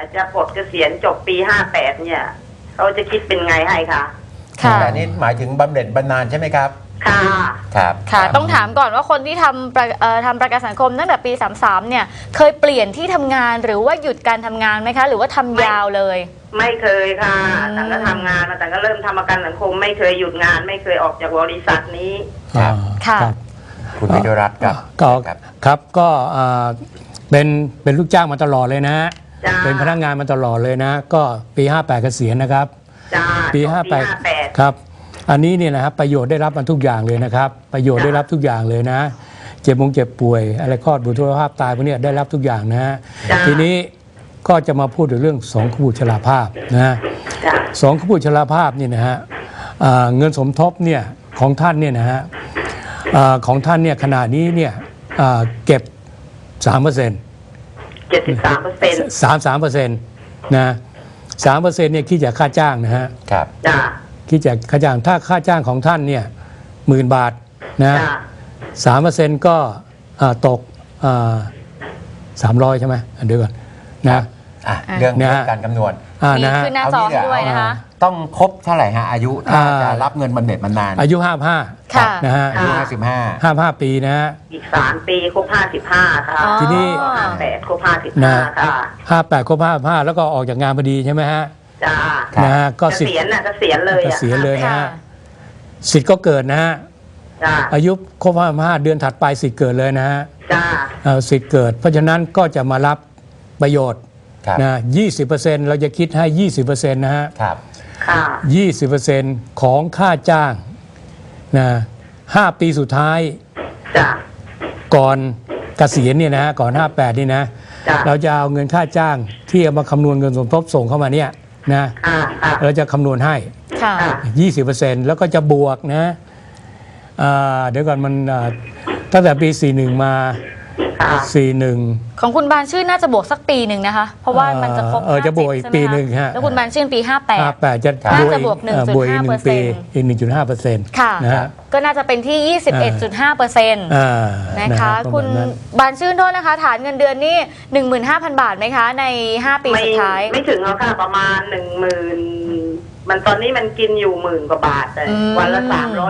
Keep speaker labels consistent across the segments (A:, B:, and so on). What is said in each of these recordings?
A: จะปลดเกษียณจบปี58เนี่ยเขาจะคิดเป็นไงให้คะ
B: ค่ะ
C: แต่นี่หมายถึงบำเหน็จบำนาญใช่ไหมครับ
A: ค่ะ
C: ครับ
B: ค่ะต้องถามก่อนว่าคนที่ทำประกันสังคมตั้งแต่ปี33เนี่ยเคยเปลี่ยนที่ทำงานหรือว่าหยุดการทำงานไหมคะหรือว่าทำยาวเลย
A: ไม่เคยค่ะแต่ก็ทำงานมาแต่ก็เริ่มทำประกันสังคมไม่เคยหยุดงานไม่เคยออกจากบริษัทนี้
C: ครับ
B: ค่ะ
C: คุณวิทยรัตน์ครับ
D: ครับก็เป็นลูกจ้างมาตลอดเลยนะเป็นพนักงานมาตลอดเลยนะก็ปี58เกษียณนะครับปี58ครับอันนี้เนี่ยนะครับประโยชน์ได้รับมันทุกอย่างเลยนะครับประโยชน์ได้รับทุกอย่างเลยนะเจ็บป่วยอะไรคลอดบุตรภาพตายพวกนี้ได้รับทุกอย่างนะฮะทีนี้ก็จะมาพูดถึงเรื่อง2ขบุตรชราภาพนะ2ขบุตรชราภาพนี่นะฮะเงินสมทบเนี่ยของท่านเนี่ยนะฮะของท่านเนี่ยขณะนี้เนี่ยเก็บ 3% 33%นะ3%เนี่ยคิดจากค่าจ้างนะฮะ
C: ครับ
D: คิดจากค่าจ้างถ้าค่าจ้างของท่านเนี่ย10,000 บาทนะ3%ก็ตก300ใช่ไหมเดี๋ยวก่อนนะ
C: เรื่องการคำนวณ
B: นี่คือหน้าจอด้วยนะคะ
C: ต้องครบเท่าไหร่ฮะอายุถ้าจะรับเงินบำเหน็จบำนาญ
D: อายุ
B: 55
D: นะฮะ
C: อายุ
D: 55ปีนะฮะ
A: อีก3ปีครบ55ค่ะ
D: ทีนี้
A: 58ครบ55ค่ะ
D: 58ครบ55แล้วก็ออกจากงานพอดีใช่ไหมฮะ
A: จ้า
D: นะฮะก็
A: เกษียณน่ะเกษียณเลย
D: เกษียณเลยนะฮะสิทธิ์ก็เกิดนะฮะอายุครบ55เดือนถัดไปสิทธิ์เกิดเลยนะฮะสิทธิ์เกิดเพราะฉะนั้นก็จะมารับประโยชน์นะ 20% เราจะคิดให้ 20% นะฮะ20% ของค่าจ้างนะ5 ปีสุดท้ายก่อนเกษียณเนี่ยนะก่อน58นี่นะเราจะเอาเงินค่าจ้างที่เอามาคำนวณเงินสมทบส่งเข้ามาเนี่ยนะเราจะคำนวณให้ 20% แล้วก็จะบวกนะเดี๋ยวก่อนมันตั้งแต่ปี41มา41
B: ของคุณบานชื่นน่าจะบวกสักปีหนึ่งนะคะเพราะว่ามันจะครบ
D: จะบวกอีกปีหนึ่งฮะ
B: แล้วคุณบานชื่นปี
D: 58จะ
B: บวก 1.5%
D: อีก 1.5%
B: ค่ะก็น่าจะเป็นที่ 21.5% นะคะคุณบานชื่นโทษนะคะฐานเงินเดือนนี่ 15,000 บาทไหมคะใน5 ปีสุดท้าย
A: ไม่ถึงแล้วค่ะประมาณ 10,000มันตอนนี้มันกินอยู่10,000 กว่าบาทแต่วันละ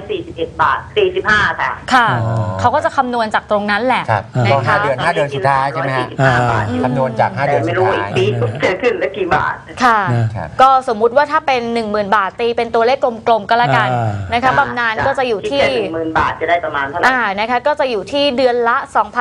A: 341 บาท45ค่ะ
B: ค่ะเขาก็จะคำนวณจากตรงนั้นแหละ
C: นะคะ5 เดือนสุดท้ายใช่ไหมฮะคำนวณจาก5 เดือนสุดท้ายไม่รู้อีก
A: ปีจะขึ้นแล้วกี่บาท
B: ค่ะก็สมมุติว่าถ้าเป็น 10,000 บาทตีเป็นตัวเลขกลมๆก็แล้วกันนะคะบำนาญก็จะอยู่ที่
A: 10,000 บาทจะได้ประมาณเท่าไหร่
B: นะคะก็จะอยู่ที่เดือนละ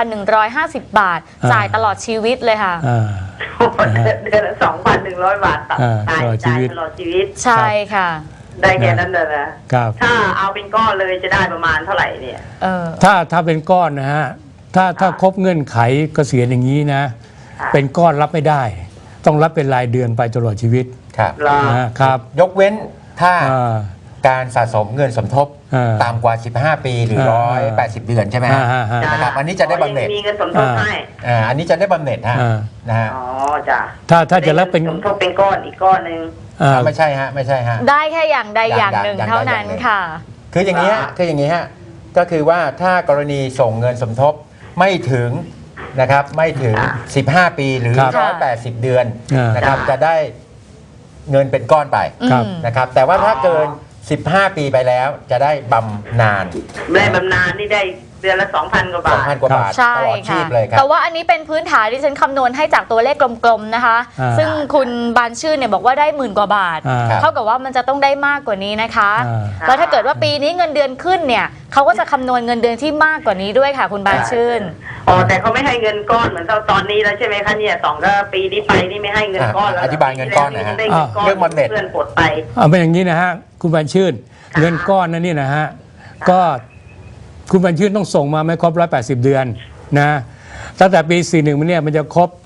B: 2,150 บาทจ่ายตลอดชีวิตเลยค่ะ
A: เดือนละ 2,100 บาทตายตลอดชีวิต
B: ใช่ค่ะ
A: ได้แค่นั้นเลยนะถ้าเอาเป็นก้อนเลยจะได้ประมาณเท่าไหร่เนี่ย
D: ถ้าเป็นก้อนนะฮะถ้าครบเงื่อนไขเกษียณอย่างนี้นะเป็นก้อนรับไม่ได้ต้องรับเป็นรายเดือนไปตลอดชีวิต
C: ครับยกเว้นถ้าการสะสมเงินสมทบต่ำกว่า15 ปีหรือ180 เดือนใช่ไหมนะครับอันนี้จะได้บำเหน็จ
A: มีเงินสมทบให้
C: อันนี้จะได้บำเหน็จฮะนะฮะ
A: อ๋อจ้ะ
D: ถ้าจะรับเป็น
A: สมทบเป็นก้อนอีกก้อนนึง
C: ไม่ใช่ฮะไม่ใช่ฮะ
B: ได้แค่อย่างใดอย่างหนึ่งเท่านั้นค่ะ
C: คืออย่างนี้ฮะก็คือว่าถ้ากรณีส่งเงินสมทบไม่ถึงนะครับไม่ถึง15 ปีหรือ180 เดือนนะครับจะได้เงินเป็นก้อนไปนะครับแต่ว่าถ้าเกิน15 ปีไปแล้วจะได้บำนาญ
A: นี่ได้เดือนละ 2,000 กว่าบาท
C: 2,000 กว่าบาทตลอดชีพเลยครับ
B: แต่ว่าอันนี้เป็นพื้นฐานที่ฉันคำนวณให้จากตัวเลขกลมๆนะคะซึ่งคุณบานชื่นเนี่ยบอกว่าได้10,000 กว่าบาทเท่ากับว่ามันจะต้องได้มากกว่านี้นะคะแล้วถ้าเกิดว่าปีนี้เงินเดือนขึ้นเนี่ยเขาก็จะคำนวณเงินเดือนที่มากกว่านี้ด้วยค่ะคุณบานชื่น
A: แต่เขาไม่ให้เงินก้อนเหมือนตอนนี้แล้วใช่ไหมคะเนี่ยก็ปีนี้ไปนี่ไม่ให้เงินก้อนแล้ว
C: อธิบายเงินก้อนนะฮะเรื่องบำเหน็จ
A: เพื่อนปลดไป
D: เป็นอย่างนี้นะฮะคุณบานชื่นเงินก้อนนั่นนี่นะฮะก็คุณบรรชื่นต้องส่งมาไม่ครบ180 เดือนนะตั้งแต่ปี41มันเนี่ยมันจะครบ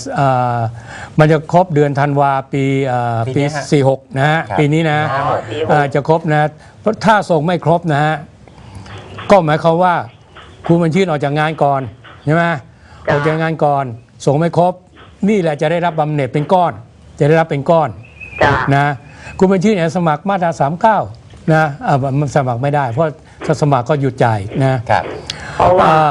D: เดือนธันวาปี46นะฮะปีนี้นะจะครบนะเพราะถ้าส่งไม่ครบนะฮะก็หมายความว่าคุณบรรชื่นออกจากงานก่อนใช่ไหมออกจากงานก่อนส่งไม่ครบนี่แหละจะได้รับบำเหน็จเป็นก้อนจะได้รับเป็นก้อนนะคุณบรรชื่นสมัครมาตรา39นะมันสมัครไม่ได้เพราะถ้าสมัครก็หยุดจ่ายนะครับ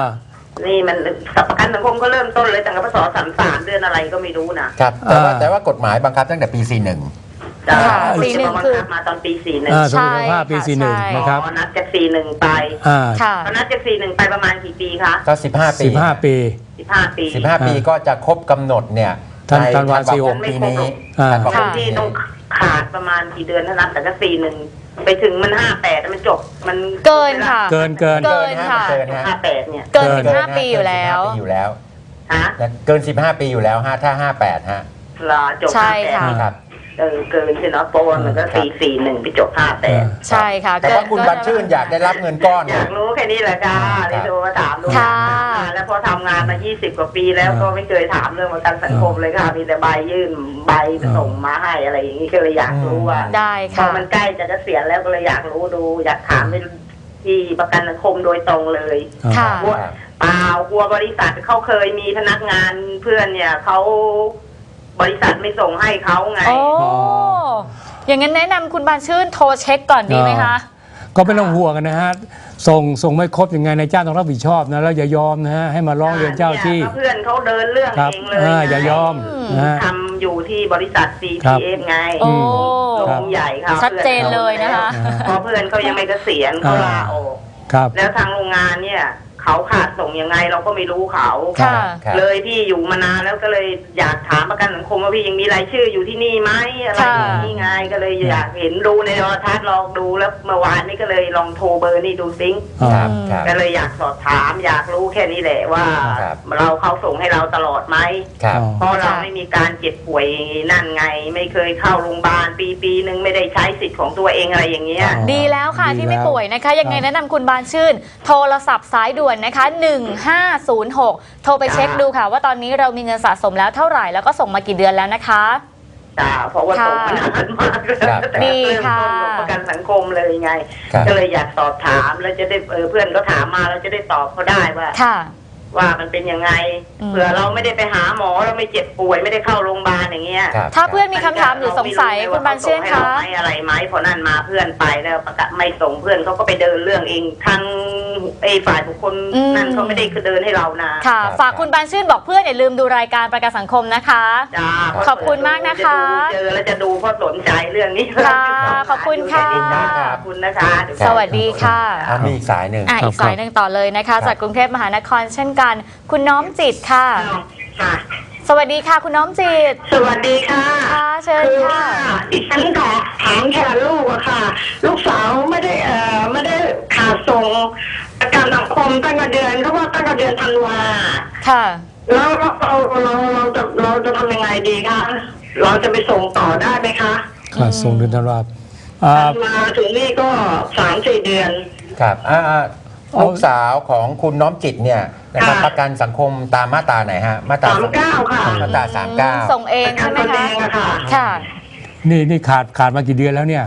A: นี่มันประกันสังคมก็เริ่มต้นเลยตั้งแต่พศ33เดือนอะไรก็ไม่รู้นะครับ
C: แต่ว่ากฎหมายบังคับตั้งแต่ปี 41
A: จ้า
B: 41 คือ
A: มาตอนปี 41
D: สมรรถภาพปี 41 นะครับ
A: นับจาก41ไป
B: ค่ะ
A: นับจาก41ไปประมาณกี่ปีคะ
C: ก็15 ปี
D: 15 ปี
A: 15 ปี
C: 15 ปีก็จะครบกำหนดเนี่ยใน
D: ธันวาคม
C: ธันวาคมปีนี้
D: 46
C: ธันวาคม
A: ที่
C: ปีนี้
A: ต้องขาดประมาณกี่เดือนเท่านั้นแต่ก็41ไปถึงมัน58มันจบมัน
B: เกินค่ะ
D: เกิน
B: เกินค่ะ
C: เกินฮะ
A: 58เนี่ย
B: เกิน15 ปีอยู่แล้ว
C: เกิน15 ปีอยู่แล้ว
A: ฮะ
C: และเกิน 15 ปีอยู่แล้วฮะถ้า 58 ฮะ
A: รอจบ
B: ใช่ค่ะ
A: 58
C: ครับ
A: เกินใช่เนาะโปรมันก็441ไปจบ58
B: ใช่ค่ะ
C: แต่ว่าคุณบัญชื่นอยากได้รับเงินก้อน
A: อยากรู้แค่นี้แหละค่ะที่โทรมาถามดู
B: ค่ะ
A: แล้วพอทำงานมา20 กว่าปีแล้วก็ไม่เคยถามเรื่องประกันสังคมเลยค่ะมีแต่ใบยื่นใบส่งมาให้อะไรอย่างนี้ก็เลยอยากรู้ว่า
B: ได้
A: พอ
B: ค่ะ
A: มันใกล้จะเกษียณแล้วก็เลยอยากรู้ดู อยากถามไปที่ประกันสังคมโดยตรงเลย
B: ค่ะ
A: กลัวเปล่ากลัวบริษัทเขาเคยมีพนักงานเพื่อนเนี่ยเขาบริษัทไม่ส่งให้เขาไง
B: โอ้อย่างนั้นแนะนำคุณบานชื่นโทรเช็คก่อนดีไหมคะ
D: ก็ไม่ต้องห่วงกันนะฮะส่งไม่ครบยังไงนายจ้างต้องรับผิดชอบนะแล้วอย่ายอมนะฮะให้มาร้องเรียนเจ้าที่
A: เพื่อนเขาเดินเรื่อง
D: ครับ
A: เองเลย
D: อย่ายอมนะฮะ
A: ทำอยู่ที่บริษัท CPF ไง
B: โอ้
A: โรงใหญ่ค่ะ
B: ชัดเจนเลยนะคะ
A: เพราะเพื่อนเขายังไม่เกษียณเขาลาออก
D: ครับ
A: แล้วทางโรงงานเนี่ยเขาขาดส่งยังไงเราก็ไม่รู้เขา
B: ค่ะ
C: ครับ
A: เลยพี่อยู่มานานแล้วก็เลยอยากถามประกันสังคมว่าพี่ยังมีรายชื่ออยู่ที่นี่ไหมอะไรอย่างนี้ไงก็เลยอยากเห็นดูในโทรทัศน์ลองดูแล้วเมื่อวานนี้ก็เลยลองโทรเบอร์นี่ดูซิง
C: ครับครับ
A: ก็เลยอยากสอบถามอยากรู้แค่นี้แหละว่า
C: ครับ
A: เราเขาส่งให้เราตลอดไหม
C: ครับ
A: เพราะเราไม่มีการเจ็บป่วยนั่นไง ไม่เคยเข้าโรงพยาบาลปีหนึ่งไม่ได้ใช้สิทธิ์ของตัวเองอะไรอย่างเงี้ย
B: ดีแล้วค่ะ
D: ดี
B: ที่ไม่
D: แล้ว
B: ป่วยนะคะ ยังไงแนะนำคุณบานชื่น โทรศัพท์สายด่วนนะคะ 1506 โทรไปเช็คดูค่ะ ว่าตอนนี้เรามีเงินสะสมแล้วเท่าไหร่แล้วก็ส่งมากี่เดือนแล้วนะคะ
A: จ้าเพราะว่าส่งมานานมากเลย
C: ครับ
A: แต่
B: ดี
A: เริ่ม
B: ค่ะ
A: ต้นของประกันสังคมเลยไง
C: ครับ
A: ก็เลยอยากสอบถามแล้วจะได้เพื่อนก็ถามมาเราจะได้ตอบเขาได้ว่า
B: ค่ะ
A: ว่ามันเป็นยังไง
B: อืม
A: เผื่อเราไม่ได้ไปหาหมอเราไม่เจ็บป่วยไม่ได้เข้าโรงพยาบาลอย่างเงี้ย
C: ครับ
B: ถ้าเพื่อนมีคำถามหรือสงสัยคุณบานชื่นคะ
A: ไม่อะไรไหมพอนั่นมาเพื่อนไปแล้วประกาศไม่ส่งเพื่อนเขาก็ไปเดินเรื่องเองทั้งฝ่ายบุคคล
B: อืม
A: นั่นเขาไม่ได้คือเดินให้เรานะ
B: ค่ะ ฝากคุณบานชื่นบอกเพื่อนอย่าลืมดูรายการประกันสังคมนะคะ
A: จ้า
B: ขอบคุณมากนะคะ
A: เจอแล้วจะดูเพราะสนใจเรื่องนี้
B: ค่ะขอบคุณค่ะ
A: ขอบคุณนะคะ
B: สวัสดีค่ะ
C: มีอีกสายหนึ่ง
B: อีกสายหนึ่งต่อเลยนะคะ จากกรุงเทพมหานครเช่นกัน คุณน้อมจิตค่ะ
A: ค่ะ
B: สวัสดีค่ะ คุณน้อมจิต
A: สวัสดีค่ะ
B: ค่ะเชิญ
A: คือ
B: ค่ะ
A: ว่าดิฉันขอถามแทนลูกอะค่ะ ลูกสาวไม่ได้ขาดส่งประกันสังคมตั้งแต่เดือนเขาว่าตั้งแต่เดือนธันวา
B: ค่ะ
A: แล้วเราจะทำยังไงดีคะเราจะไปส่งต่อได้ไหมคะ
D: ค่ะส่งเดือนธันวาคม
A: ธันวาถึงนี่ก็3-4 เดือน
C: ครับลูกสาวของคุณน้อมจิตเนี่ยนะครับ
A: ค่ะ
C: ประกันสังคมตามมาตราไหนฮะมาตรา
A: 39 ค่ะ
C: มาตรา39
B: ส่งเองใช่ไหม
A: ประกันตน
B: คะ
A: เองอะค่ะ
B: ค่ะ
D: นี่ขาดมากี่เดือนแล้วเนี่ย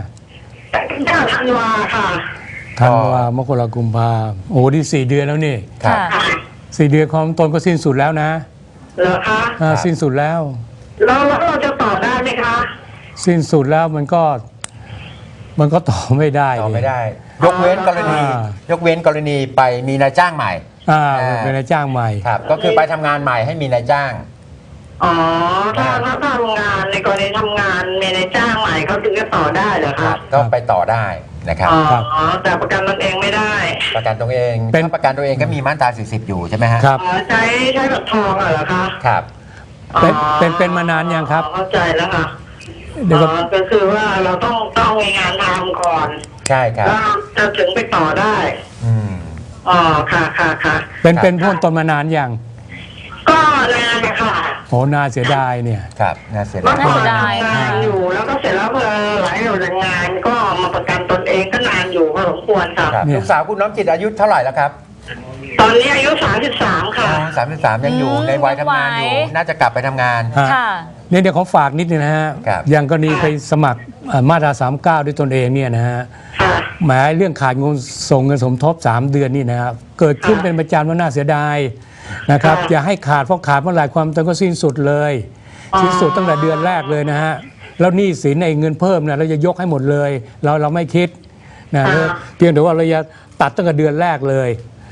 A: 9 ธันวาค่ะ
D: ธันวามกรากุมภาโอ้นี่4 เดือนแล้วนี่
C: ครับ
B: ค่ะ
D: 4 เดือนของตนก็สิ้นสุดแล้วนะ
A: เหรอคะ
D: สิ้นสุดแล้ว
A: แล้วเราจะต่อได้ไหมคะ
D: สิ้นสุดแล้วมันก็ต่อไม่ได้
C: ต่อไม่
D: ดิ
C: ได้ ยกเว้นกรณี ยกเว้นกรณีไปมีนายจ้างใหม่
D: เป็นนายจ้างใหม่
C: ครับ ก็คือไปทำงานใหม่ให้มีนายจ้าง
A: อ๋อถ้าโรงงานในกรณีทำงานมีนายจ้างใหม่เขาถึงจะต่อได้เหรอ
C: ครั
A: คะ
C: บ ก็ไปต่อได้นะครับ
A: อ๋อ
D: ครับ
A: แต่ประกันตนเองไม่ได้
C: ประกันตัวเอง
D: เป็น
C: ถ้าประกันตัวเองก็มีมาตรา40อยู่ใช่ไหมฮะ
D: ครับ
A: อ๋อใช้บัตรทองเหรอคะ
C: ครับ
D: เป็นมานานยังครับ
A: เข้าใจแล้วค่ะ
D: เดี๋ยวก็
A: ก็คือว่าเราต้องมีงานทำก่อน
C: ใช่ครับ
A: แล้วจะถึงไปต่อได้
C: อืม
A: อ๋อค่ะค่ะ
D: เป็นพ้นตนมานานยัง
A: ก็นานนะคะ
D: โอ้น่าเสียดายเนี่ย
C: ครับน่าเสีย
A: เมื่
C: ดา
A: อย ก่อน
B: น่าเสียดาย
A: ทำงานอยู่แล้วก็เสร็จแล้วพอหลายหน่วยงานก็มาประกันตนเองก็นานอยู่พอสมควรค่ะ
C: ครับ
D: เนี่ย
C: ลูกสาวคุณน้อมจิตอายุเท่าไหร่แล้วครับ
A: ตอนนี้อายุ33ค่ะ
C: 33ยังอยู่ในวัยทำงานอยู่
B: ไหว
C: น่าจะกลับไปทำงาน
D: ฮะ
B: ค่ะ
D: เนี่ยเดี๋ยวเขาฝากนิดนึงนะฮะ
C: ครับ
D: อย่างกรณีไปสมัครมาตรา39ด้วยตนเองเนี่ยนะฮะ
A: ค่ะ
D: หมายเรื่องขาดเงินส่งเงินสมทบ3 เดือนนี่นะครับเกิดขึ้นเป็นประจำว่าน่าเสียดายนะครับ
A: ค่ะ
D: อย่าให้ขาดเพราะขาดเมื่อไหร่ความตนก็สิ้นสุดเลย
A: อ๋อ
D: สิ้นสุดตั้งแต่เดือนแรกเลยนะฮะแล้วหนี้สินในเงินเพิ่มนะเราจะยกให้หมดเลยเราไม่คิดนะเพียงแต่ว่าเราจะตัดตั้งแต่เดือนแรกเลย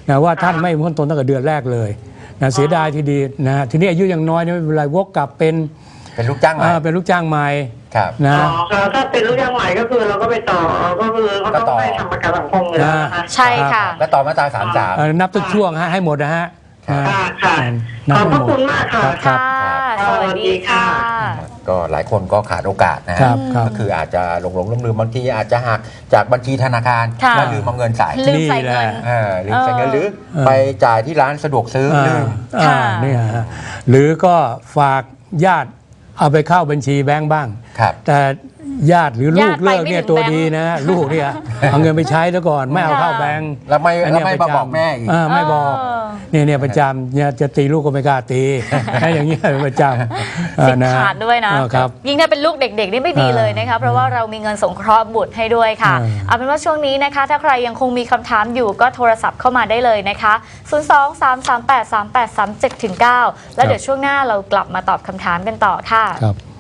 D: นะว่าท่านไม่พ้นตนตั้งแต่เดือนแรกเลยนะเสียดายทีดีนะทีนี้อายุยังน้อยเนี่ยไม่เป็นไรวกกลับเป็น
C: ลูกจ้างใหม่
D: เป็นลูกจ้างใหม่
C: ครับ
D: นะ
A: ถ้าเป็นลูกจ้างใหม่ก็คือเราก็ไปต่อก็คือเขาต้องไปทำประกันสังคมเลยนะคะ
B: ใช่ค่ะ
C: ก็ต่อมาตรา33
D: นับทุกช่วงให้หมดนะฮะ
A: ค่ะขอบคุณมากค่ะ
B: ค่ะสวัสดีค่ะ
C: ก็หลายคนก็ขาดโอกาสนะก็คืออาจจะหลงลืมบางทีอาจจะหักจากบัญชีธนาคารแล้วลืมเอาเงินใส่
B: ลืมใส่เงิน
C: ลืมใส่เงินหรือไปจ่ายที่ร้านสะดวกซื้อลืม
D: นี่ฮะหรือก็ฝากญาติเอาไปเข้าบัญชีแบงก์บ้างแต่ญาติหรือลูกเลิกเนี่ยตัวดีนะลูกเนี่ยเอาเงินไปใช้แล้วก่อนไม่เอาเข้าแบงก์
C: แล้วไม่บอกแม่อีก
D: ไม่บอกเนี่ยประจำเนี่ยจะตีลูกก็ไม่กล้าตีอย่างเงี้ยประจำ
B: สิขาดด้วยนะยิ่งถ้าเป็นลูกเด็กๆนี่ไม่ดีเลยนะคะเพราะว่าเรามีเงินสงเคราะห์บุตรให้ด้วยค่ะเอาเป็นว่าช่วงนี้นะคะถ้าใครยังคงมีคำถามอยู่ก็โทรศัพท์เข้ามาได้เลยนะคะ023383837-9แล้วเดี๋ยวช่วงหน้าเรากลับมาตอบคำถามกันต่อค่ะ